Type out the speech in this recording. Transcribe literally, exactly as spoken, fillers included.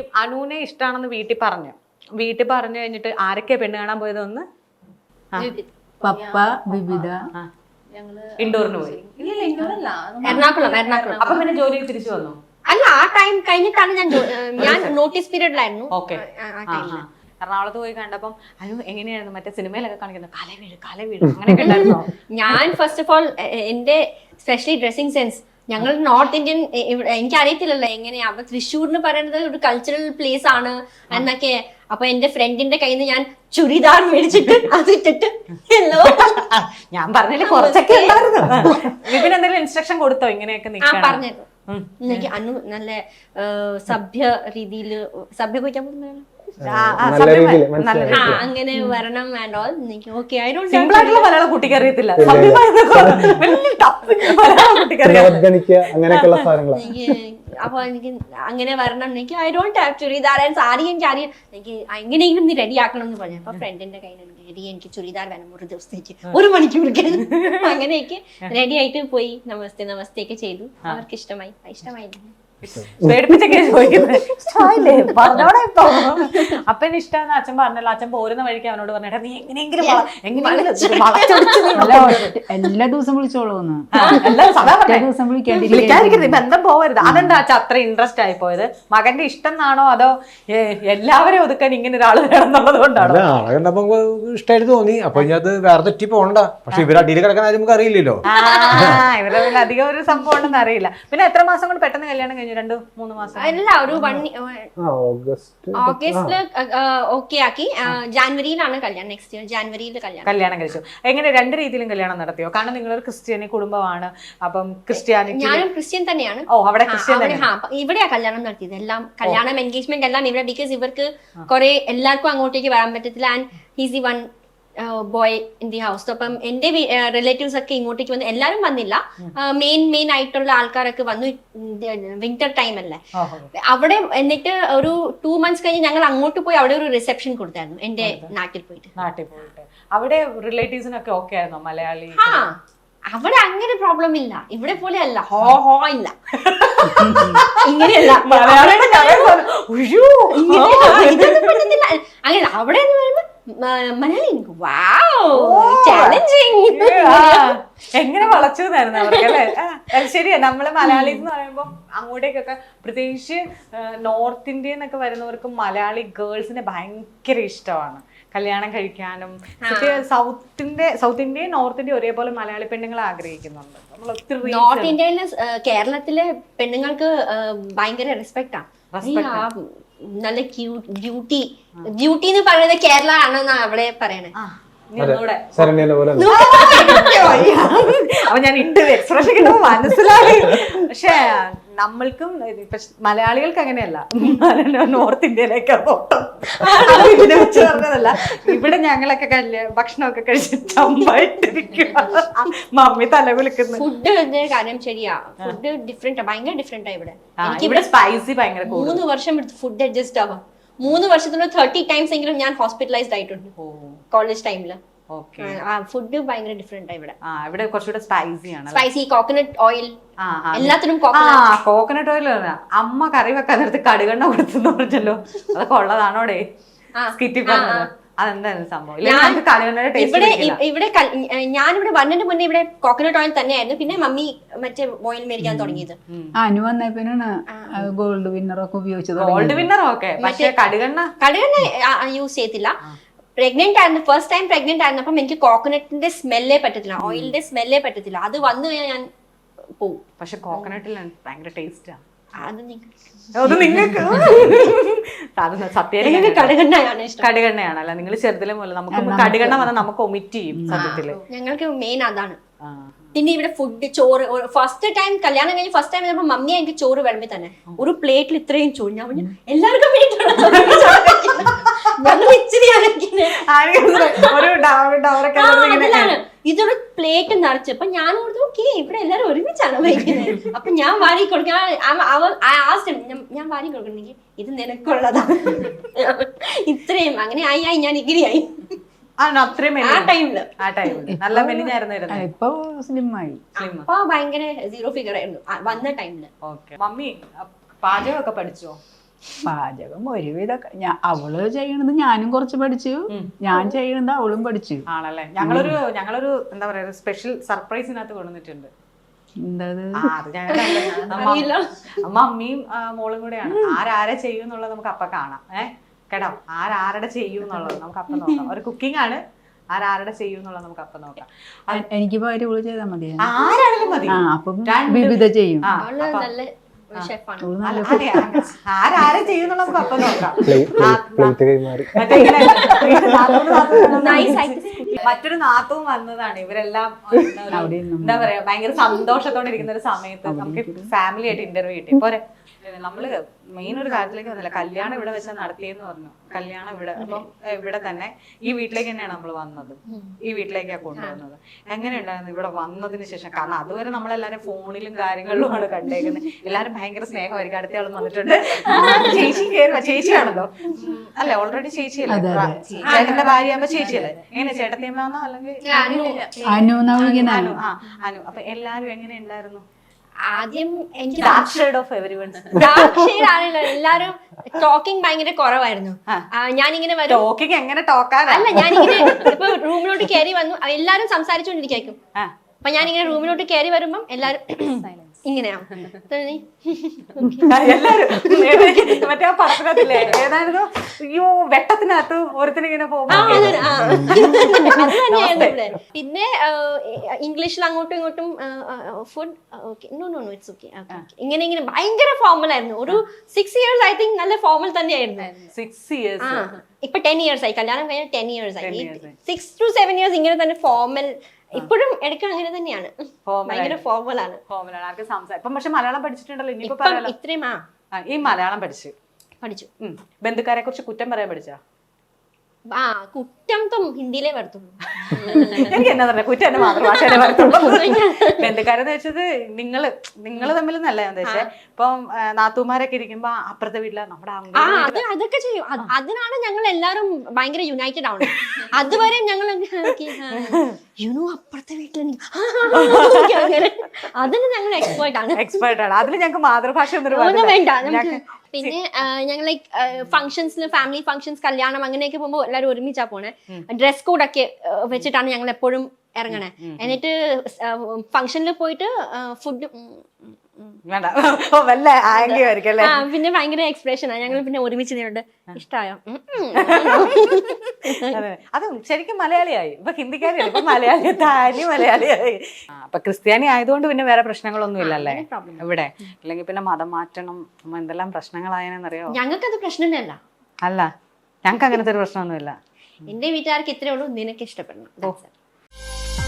അനുവിനെ ഇഷ്ടമാണെന്ന് വീട്ടിൽ പറഞ്ഞു വീട്ടിൽ പറഞ്ഞു കഴിഞ്ഞിട്ട് ആരൊക്കെയാ പെണ്ണ് കാണാൻ പോയതൊന്ന് പപ്പ ബിബിത ഇൻഡോറിന് പോയി എറണാകുളം എറണാകുളം അപ്പൊ പിന്നെ ജോലി തിരിച്ചു വന്നു അല്ല ആ ടൈം കഴിഞ്ഞിട്ടാണ് ഞാൻ ഞാൻ നോട്ടീസ് പീരീഡിലായിരുന്നു. ഓക്കെ എറണാകുളത്ത് പോയി കണ്ടപ്പം അനു എങ്ങനെയായിരുന്നു മറ്റേ സിനിമയിലൊക്കെ കാണിക്കുന്നത് കല വീട് കല വീട് അങ്ങനെയൊക്കെ ഉണ്ടായിരുന്നോ? ഞാൻ ഫസ്റ്റ് ഓഫ് ഓൾ എന്റെ സ്പെഷ്യലി ഡ്രസ്സിംഗ് സെൻസ് ഞങ്ങൾ നോർത്ത് ഇന്ത്യൻ എനിക്ക് അറിയത്തില്ലല്ലോ എങ്ങനെയാ. അപ്പൊ തൃശ്ശൂർ എന്ന് പറയുന്നത് ഒരു കൾച്ചറൽ പ്ലേസ് ആണ് എന്നൊക്കെ. അപ്പൊ എന്റെ ഫ്രണ്ടിന്റെ കയ്യിൽ നിന്ന് ഞാൻ ചുരിദാർ മേടിച്ചിട്ട് അത് ഇട്ടിട്ട് ഹലോ ഞാൻ പറഞ്ഞില്ലേ കുറച്ചൊക്കെ ഉണ്ടായിരുന്നു. വിപിൻ എന്തെങ്കിലും ഇൻസ്ട്രക്ഷൻ കൊടുത്തോ ഇങ്ങനെയൊക്കെ ആ പറഞ്ഞിരുന്നു. എനിക്ക് അനു നല്ല സഭ്യ രീതിയില് സഭ്യ കുറിക്കാൻ പോകുന്നതാണ് അങ്ങനെ വരണം വേണ്ടോ എനിക്ക് ഓക്കെ സിമ്പിളായിട്ടുള്ള മലയാളം കുട്ടിക്ക് അറിയത്തില്ല. അപ്പൊ എനിക്ക് അങ്ങനെ വരണം എനിക്ക് I don't have churidar and sari എനിക്ക് അറിയാം എനിക്ക് എങ്ങനെയെങ്കിലും നീ റെഡി ആക്കണം എന്ന് പറഞ്ഞു. അപ്പൊ ഫ്രണ്ടിന്റെ കയ്യിൽ റെഡി എനിക്ക് ചുരിദാർ വേണം ഒരു ദിവസത്തേക്ക് ഒരു മണിക്കൂർക്ക് അങ്ങനെയൊക്കെ റെഡി ആയിട്ട് പോയി നമസ്തേ നമസ്തേ ഒക്കെ ചെയ്തു. അവർക്ക് ഇഷ്ടമായി ഇഷ്ടമായി പേടിപ്പിച്ചൊക്കെ ചോദിക്കുന്നത് പറഞ്ഞോടെ ഇപ്പൊ അപ്പന് ഇഷ്ടമെന്ന് അച്ഛൻ പറഞ്ഞല്ലോ. അച്ഛൻ പോരുന്ന വഴിക്ക് അവനോട് പറഞ്ഞേട്ടാ നീ എങ്ങനെയെങ്കിലും എല്ലാ ദിവസം വിളിച്ചോളൂന്ന് ദിവസം വിളിക്കാതിരിക്കുന്നത് ബന്ധം പോവരുത്. അതെന്താ അച്ഛൻ അത്ര ഇൻട്രസ്റ്റ് ആയി പോയത്? മകന്റെ ഇഷ്ടം എന്നാണോ അതോ എല്ലാവരെയും ഒതുക്കാൻ ഇങ്ങനെ ഒരാൾ വേണം എന്നുള്ളത് കൊണ്ടാണോ? ആളെ കണ്ടപ്പോ ഇഷ്ടമായിട്ട് തോന്നി. അപ്പൊ ഇനി അത് വേറെ തെറ്റി പോകണ്ട. പക്ഷെ ഇവർ അടിയിൽ കിടക്കാൻ ആരും നമുക്ക് അറിയില്ലല്ലോ. ഇവരുടെ അധികം ഒരു സംഭവം ഉണ്ടെന്ന് അറിയില്ല. പിന്നെ എത്ര മാസം കൊണ്ട് പെട്ടെന്ന് കല്യാണം കഴിഞ്ഞു? രണ്ട് മൂന്ന് മാസം അല്ല ഒരു വൺ ഓഗസ്റ്റില് ഓക്കെ ആക്കി. ജാനുവരിയിലാണ് കല്യാണം. നെക്സ്റ്റ് ഇയർ ജാനുവരിയിൽ കല്യാണം കല്യാണം കഴിച്ചു. എങ്ങനെ രണ്ട് രീതിയിലും കല്യാണം നടത്തിയോ? കാരണം നിങ്ങളൊരു ക്രിസ്ത്യാനി കുടുംബമാണ്. അപ്പം ക്രിസ്ത്യാനിറ്റി ഞാനും ക്രിസ്ത്യൻ തന്നെയാണ്. ഓ അവിടെ ക്രിസ്ത്യൻ ഇവിടെയാ കല്യാണം നടത്തിയത്. എല്ലാം കല്യാണം എൻഗേജ്മെന്റ് എല്ലാം ഇവിടെ. ബിക്കോസ് ഇവർക്ക് കുറെ എല്ലാവർക്കും അങ്ങോട്ടേക്ക് വരാൻ പറ്റത്തില്ല. And he's the one boy in the house. അപ്പം എന്റെ റിലേറ്റീവ്സ് ഒക്കെ ഇങ്ങോട്ടേക്ക് വന്ന് എല്ലാരും വന്നില്ല. മെയിൻ മെയിൻ ആയിട്ടുള്ള ആൾക്കാരൊക്കെ വന്നു. വിന്റർ ടൈം അല്ലേ അവിടെ. എന്നിട്ട് ഒരു ടു മന്ത്സ് കഴിഞ്ഞ് ഞങ്ങൾ അങ്ങോട്ട് പോയി അവിടെ ഒരു റിസപ്ഷൻ കൊടുത്തായിരുന്നു എന്റെ നാട്ടിൽ പോയിട്ട്. നാട്ടിൽ പോയിട്ട് അവിടെ റിലേറ്റീവ്സിനൊക്കെ ഓക്കെ ആയിരുന്നോ മലയാളി? ആ അവിടെ അങ്ങനെ പ്രോബ്ലം ഇല്ല. ഇവിടെ പോലെ അല്ല ഹോ ഹോ ഇല്ല ഇങ്ങനെയല്ല അങ്ങനെ. അവിടെ മലയാളി എങ്ങനെ വളച്ചതായിരുന്നു അവർക്കല്ലേ? ശരിയാ. നമ്മള് മലയാളീസ് എന്ന് പറയുമ്പോ അങ്ങോട്ടേക്കൊക്കെ പ്രത്യേകിച്ച് നോർത്ത് ഇന്ത്യ എന്നൊക്കെ വരുന്നവർക്ക് മലയാളി ഗേൾസിനെ ഭയങ്കര ഇഷ്ടമാണ് കല്യാണം കഴിക്കാനും. സൗത്തിന്റെ സൗത്ത് ഇന്ത്യയും നോർത്ത് ഇന്ത്യയും ഒരേപോലെ മലയാളി പെണ്ണുങ്ങളെ ആഗ്രഹിക്കുന്നുണ്ട്. നമ്മൾ ഒത്തിരി നോർത്ത് ഇന്ത്യയിലെ കേരളത്തിലെ പെണ്ണുങ്ങൾക്ക് ഭയങ്കര റെസ്പെക്ട് ആണ്. നല്ല ക്യൂട്ട് ബ്യൂട്ടി ബ്യൂട്ടി എന്ന് പറയുന്നത് കേരള ആണെന്നാ അവിടെ പറയണേ. അപ്പൊ ഞാൻ ഇട്ട് എക്സ്പ്രഷൻ കിട്ടുമ്പോ മനസ്സിലായി. പക്ഷെ നമ്മൾക്കും ഇപ്പൊ മലയാളികൾക്ക് അങ്ങനെയല്ല. നോർത്ത് ഇന്ത്യയിലേക്ക് ഇതിനെ വെച്ച് പറഞ്ഞതല്ല. ഇവിടെ ഞങ്ങളൊക്കെ കല്യാണം ഭക്ഷണമൊക്കെ കഴിച്ച് ചമ്പായിട്ടിരിക്കും. മമ്മി തല കുലിക്കുന്നു. ഫുഡ് കാര്യം ശരിയാ. ഫുഡ് ഡിഫറെന്റ് ഭയങ്കര ഡിഫറെന്റ് ഇവിടെ. ഇവിടെ സ്പൈസി ഭയങ്കര. മൂന്ന് വർഷം എടുത്ത് ഫുഡ് അഡ്ജസ്റ്റ് ആവാം. മൂന്ന് വർഷത്തിനുള്ള തേർട്ടി ടൈംസ് എങ്കിലും ഞാൻ ഹോസ്പിറ്റലൈസ്ഡ് ആയിട്ടുണ്ട് കോളേജ് ടൈമില്. ഫുഡ് ഭയങ്കര ഡിഫറെന്റ് ഇവിടെ. ഇവിടെ കുറച്ചുകൂടെ സ്പൈസി ആണ്. സ്പൈസി കോക്കനട്ട് ഓയിൽ എല്ലാത്തിനും കോക്കനട്ട് ഓയിൽ. അമ്മ കറി വെക്കാൻ നേരത്ത് കടുകെണ്ണ കൊടുത്തെന്ന് പറഞ്ഞല്ലോ. അതൊക്കെ ഉള്ളതാണോടെ സ്കിറ്റി പറഞ്ഞത്? അതെന്തായിരുന്നു സംഭവം? ഇവിടെ ഇവിടെ ഞാനിവിടെ വന്നതിന് മുന്നേ ഇവിടെ കോക്കനട്ട് ഓയിൽ തന്നെയായിരുന്നു. പിന്നെ മമ്മി മറ്റേ ഓയിൽ മേടിക്കാൻ തുടങ്ങിയത്. അനു വന്നപ്പോഴാണ് ഗോൾഡ് വിന്നർ ഒക്കെ ഉപയോഗിച്ചത്. ഗോൾഡ് വിന്നർ ഒക്കെ പക്ഷേ കടുകെണ്ണ കടുകെണ്ണ യൂസ് ചെയ്തില്ല. പ്രഗ്നന്റ് ആയിരുന്നു. ഫസ്റ്റ് ടൈം പ്രഗ്നന്റ് ആയിരുന്നപ്പം എനിക്ക് കോക്കനട്ടിന്റെ സ്മെല്ലേ പറ്റത്തില്ല, ഓയിലിന്റെ സ്മെല്ലേ പറ്റത്തില്ല. അത് വന്നു കഴിഞ്ഞാൽ ഞാൻ പോവും. പക്ഷെ കോക്കനട്ടിൽ ഭയങ്കര ടേസ്റ്റാണ്. അത് നിങ്ങൾക്ക് സത്യം കടുകെണ്ണയാണ് ഇഷ്ടം. കടുകെണ്ണയാണല്ലോ. നിങ്ങൾ ചെറുതിലെ പോലെ നമുക്ക് കടുകെണ്ണ വന്നാൽ നമുക്ക് ഒമിറ്റ് ചെയ്യും സത്യത്തില്. ഞങ്ങൾക്ക് മെയിൻ അതാണ്. പിന്നെ ഇവിടെ ഫുഡ് ചോറ് ഫസ്റ്റ് ടൈം കല്യാണം കഴിഞ്ഞ് ഫസ്റ്റ് ടൈം വരുമ്പോ മമ്മി എനിക്ക് ചോറ് വിളമ്പി തന്നെ ഒരു പ്ലേറ്റിൽ ഇത്രയും ചോറ്. ഞാൻ പറഞ്ഞു എല്ലാവർക്കും ഇതൊരു പ്ലേറ്റ് നിറച്ച്. അപ്പൊ ഞാൻ ഓർത്തു ഓക്കെ ഇവിടെ എല്ലാരും ഒരുമിച്ചാണ് വയ്ക്കുന്നത്. അപ്പൊ ഞാൻ വാരി കൊടുക്കാൻ ഞാൻ വാരി കൊടുക്കണെങ്കിൽ ഇത് നിനക്കുള്ളതാ ഇത്രയും. അങ്ങനെ ആയി ആയി ഞാൻ ഇങ്ങനെയായി. നല്ല മെലിഞ്ഞായിരുന്നു. ഇപ്പൊ സ്ലിം ആയി. അപ്പൊ ഭയങ്കര സീറോ ഫിഗർ ആയിരുന്നു വന്ന ടൈമില്. മമ്മി പാചകമൊക്കെ പഠിച്ചോ? പാചകം ഒരുവിധം ഞാൻ അവള് ചെയ്യണത് ഞാനും കുറച്ച് പഠിച്ചു, ഞാൻ ചെയ്യണത് അവളും പഠിച്ചു. ആണല്ലേ? ഞങ്ങളൊരു ഞങ്ങളൊരു എന്താ പറയാ ഒരു സ്പെഷ്യൽ സർപ്രൈസിനകത്ത് കൊണ്ടുവന്നിട്ടുണ്ട്. എന്താ ആ, അത് ഞങ്ങൾ അമ്മ അമ്മയും ആ, മോളും കൂടെയാണ്. ആരാരെ ചെയ്യും എന്നുള്ളത് നമുക്ക് അപ്പൊ കാണാം. ഏഹ് കേട്ടോ, ആരാരുടെ ചെയ്യും എന്നുള്ളത് നമുക്ക് അപ്പം നോക്കാം. ഒരു കുക്കിംഗ് ആണ്, ആരാരുടെ ചെയ്യും എന്നുള്ളത് നമുക്ക് അപ്പം നോക്കാം. എനിക്ക് പകരം ഇവള് ചെയ്താൽ മതി. ആരാണെങ്കിലും മതി. ആ അപ്പം വിവിധ ചെയ്യും. ആ, അവള് അപ്പൊ- നല്ല ഷെഫാണ്. അല്ല, അതെ, അതെ. ആരാരെ ചെയ്യും എന്നുള്ളത് നമുക്ക് അപ്പം നോക്കാം. പ്ലേറ്റ് കൈമാറി മറ്റേ ഇങ്ങനെ നാത്തൂന് നാത്തൂന് Nice ആയിട്ട് മറ്റൊരു നാത്തവും വന്നതാണ്. ഇവരെല്ലാം എന്താ ഒരു- എന്താ പറയാ ഭയങ്കര സന്തോഷത്തോടെ ഇരിക്കുന്ന ഒരു സമയത്ത് നമുക്ക് ഫാമിലി ആയിട്ട് ഇന്റർവ്യൂ കിട്ടി. പോരെ, നമ്മള് മെയിൻ ഒരു കാര്യത്തിലേക്ക് വന്നില്ല. കല്യാണം ഇവിടെ വെച്ചാൽ നടത്തിയെന്ന് പറഞ്ഞു. കല്യാണം ഇവിടെ, അപ്പം ഇവിടെ തന്നെ ഈ വീട്ടിലേക്ക് തന്നെയാണ് നമ്മൾ വന്നത്. ഈ വീട്ടിലേക്കാണ് കൊണ്ടുവന്നത്. എങ്ങനെയുണ്ടായിരുന്നു ഇവിടെ വന്നതിന് ശേഷം? കാരണം അതുവരെ നമ്മളെല്ലാരും ഫോണിലും കാര്യങ്ങളിലുമാണ് കണ്ടേക്കുന്നത്. എല്ലാരും ഭയങ്കര സ്നേഹമായിരിക്കും. അടുത്ത ആളും വന്നിട്ടുണ്ട്, ചേച്ചി കയറുക, ചേച്ചിയാണല്ലോ അല്ലെ? ഓൾറെഡി ചേച്ചിയല്ലേ? ചേട്ടന്റെ ഭാര്യ ആകുമ്പോ ചേച്ചിയല്ലേ? എങ്ങനെ ചേട്ടത്തിയമ്മന്നോ അല്ലെങ്കിൽ അനു എന്നാ വിളിക്കണേ. അനു? ആ, അനു. അപ്പൊ എല്ലാരും എങ്ങനെ ഉണ്ടായിരുന്നു? ആദ്യം എനിക്ക് Dark shade of everyone's. Dark shade ആണല്ലോ. എല്ലാരും ടോക്കിംഗ് ഭയങ്കര കുറവായിരുന്നു. ആ, ഞാനിങ്ങനെ വരും. ടോക്കിങ് എങ്ങനെ ടോക്കാനാ? അല്ല, ഞാനിങ്ങനെ ഇപ്പൊ റൂമിലോട്ട് കയറി വന്നു, എല്ലാരും സംസാരിച്ചുകൊണ്ടിരിക്കും. ആ. അപ്പൊ ഞാനിങ്ങനെ റൂമിലോട്ട് കയറി വരുമ്പം എല്ലാരും ഇങ്ങനെയാവും. എല്ലാരും മറ്റേ ആ പടത്തിനകത്തില്ലേ ഏതായിരുന്നു? അയ്യോ, വെട്ടത്തിനകത്ത് ഒരുത്തിനിങ്ങനെ പോകുമ്പോ അത് തന്നെയായിരുന്നു ഇവിടെ. പിന്നെ ഇംഗ്ലീഷിൽ അങ്ങോട്ടും ഇങ്ങോട്ടും food no no no it's okay ഇങ്ങനെ ഇങ്ങനെ ഭയങ്കര ഫോർമൽ ആയിരുന്നു. ഒരു സിക്സ് ഇയേഴ്സ് ഐ തിങ്ക് നല്ല ഫോർമൽ തന്നെയായിരുന്നു. സിക്സ് ഇയേഴ്സ് ഇപ്പൊ ടെൻ ഇയേഴ്സ് ആയി, കല്യാണം കഴിഞ്ഞ ടെൻ ഇയേഴ്സ് ആയി. സിക്സ് ടു സെവൻ ഇയേഴ്സ് ഇങ്ങനെ തന്നെ ഫോർമൽ. ഇപ്പോഴും എടുക്കാൻ അങ്ങനെ തന്നെയാണ്, ഭയങ്കര ഫോർമൽ ആണ്. ഫോമിലാണ് ആർക്ക് സംസാരം. ഇപ്പം പക്ഷെ മലയാളം പഠിച്ചിട്ടുണ്ടല്ലോ. ഇനിയിപ്പോ ഇപ്പം പറയാലോ. ഇത്രയും ആ ആ, ഈ മലയാളം പഠിച്ചു പഠിച്ചു. ബന്ധുക്കാരെ കുറിച്ച് കുറ്റം പറയാൻ പഠിച്ചാ? ആ കുറ്റം തും ഹിന്ദിയിലേ വരത്തുള്ളൂ. എനിക്ക് എന്നാ പറഞ്ഞ കുറ്റം എന്നെ മാതൃഭാഷയിലെ വരത്തുള്ളൂ. ബന്ധുക്കാരെന്ന് വെച്ചത് നിങ്ങള് നിങ്ങള് തമ്മിൽ നല്ല ഉദ്ദേശിച്ചേ. ഇപ്പം നാത്തൂമാരൊക്കെ ഇരിക്കുമ്പോ അപ്പുറത്തെ വീട്ടിലെ നമ്മുടെ ആ അത് അതൊക്കെ ചെയ്യും. അത് അതിനാണ് ഞങ്ങൾ എല്ലാരും ഭയങ്കര യുണൈറ്റഡ് ആവുന്നത്. അതുവരെ ഞങ്ങൾ യുനോ അപ്പുറത്തെ വീട്ടിൽ അങ്ങനെ അതിന് ഞങ്ങൾ എക്സ്പേർട്ട് ആണ്. എക്സ്പേർട്ട് ആണ് അതിൽ. ഞങ്ങൾക്ക് മാതൃഭാഷ ഒന്നും ഒന്നും വേണ്ട നമുക്ക്. പിന്നെ ഞങ്ങൾ ലൈക്ക് ഫംഗ്ഷൻസിന്, ഫാമിലി ഫംഗ്ഷൻസ്, കല്യാണം അങ്ങനെയൊക്കെ പോകുമ്പോൾ എല്ലാവരും ഒരുമിച്ചാ പോണേ. ഡ്രസ് കോഡൊക്കെ വെച്ചിട്ടാണ് ഞങ്ങൾ എപ്പോഴും ഇറങ്ങണേ. എന്നിട്ട് ഫംഗ്ഷനിൽ പോയിട്ട് ഫുഡ് വേണ്ട വല്ല ആംഗ്യമായിരിക്കും അല്ലേ? പിന്നെ ഭയങ്കര എക്സ്പ്രഷൻ ആണ്. ഞങ്ങൾ പിന്നെ ഒരുമിച്ച് നിന്നുണ്ട്. ഇഷ്ടമായോ? അതെ, അത് ശരിക്കും മലയാളിയായി. ഇപ്പൊ ഹിന്ദിക്കാരിയല്ല, ഇപ്പൊ മലയാളി, താലി മലയാളിയായി. അപ്പൊ ക്രിസ്ത്യാനി ആയതുകൊണ്ട് പിന്നെ വേറെ പ്രശ്നങ്ങളൊന്നും ഇല്ലല്ലേ ഇവിടെ? അല്ലെങ്കിൽ പിന്നെ മതം മാറ്റണം, എന്തെല്ലാം പ്രശ്നങ്ങളായെന്നറിയോ? ഞങ്ങൾക്കത് പ്രശ്നമേ അല്ല. അല്ല, ഞങ്ങൾക്ക് അങ്ങനത്തെ ഒരു പ്രശ്നമൊന്നുമില്ല. എന്റെ വീട്ടുകാർക്ക് ഇത്രേ ഉള്ളൂ, നിനക്ക് ഇഷ്ടപ്പെടണം.